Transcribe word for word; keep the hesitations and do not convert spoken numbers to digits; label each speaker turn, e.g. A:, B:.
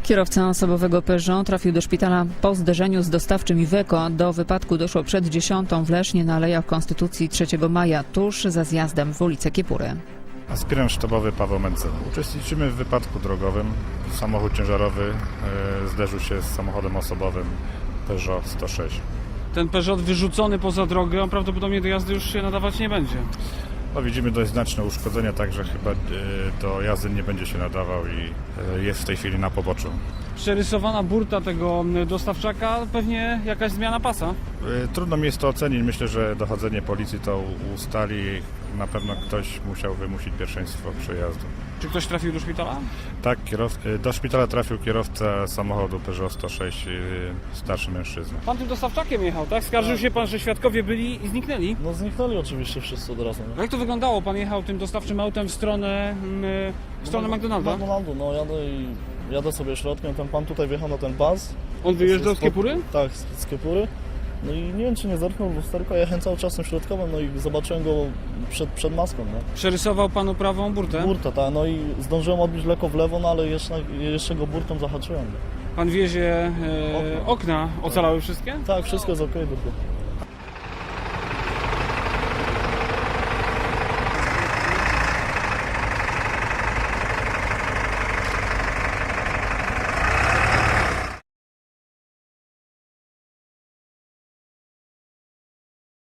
A: Kierowca osobowego Peugeot trafił do szpitala po zderzeniu z dostawczym Iveco. Do wypadku doszło przed dziesiątą w Lesznie na Alejach Konstytucji trzeciego maja, tuż za zjazdem w ulicę Kiepury.
B: Aspirant sztabowy Paweł Mencel. Uczestniczymy w wypadku drogowym. Samochód ciężarowy e, zderzył się z samochodem osobowym Peugeot sto sześć.
C: Ten Peugeot wyrzucony poza drogę, on prawdopodobnie do jazdy już się nadawać nie będzie.
B: No, widzimy dość znaczne uszkodzenia, także chyba e, do jazdy nie będzie się nadawał i e, jest w tej chwili na poboczu.
C: Przerysowana burta tego dostawczaka, pewnie jakaś zmiana pasa.
B: E, trudno mi jest to ocenić. Myślę, że dochodzenie policji to ustali. Na pewno ktoś musiał wymusić pierwszeństwo przejazdu.
C: Czy ktoś trafił do szpitala?
B: Tak, kierow... e, do szpitala trafił kierowca samochodu Peugeot sto sześć, e, starszy mężczyzna.
C: Pan tym dostawczakiem jechał, tak? Skarżył się pan, że świadkowie byli i zniknęli.
D: No zniknęli oczywiście wszyscy od razu.
C: Jak to wyglądało? Pan jechał tym dostawczym autem w stronę, mm, w stronę McDonalda?
D: McDonaldu, no jadę i jadę sobie środkiem, ten pan tutaj wjechał na ten pas.
C: On wyjeżdżał z Kiepury?
D: Tak, z, z Kiepury. No i nie wiem, czy nie zerknął w lusterko, ja jechałem cały czas tym środkowym, no i zobaczyłem go przed, przed maską, no.
C: Przerysował panu prawą burtę?
D: Burta, tak, no i zdążyłem odbić lekko w lewo, no ale jeszcze, jeszcze go burtą zahaczyłem.
C: Pan wiezie e, okna, ocalały wszystkie?
D: Tak, wszystko jest okej, tylko.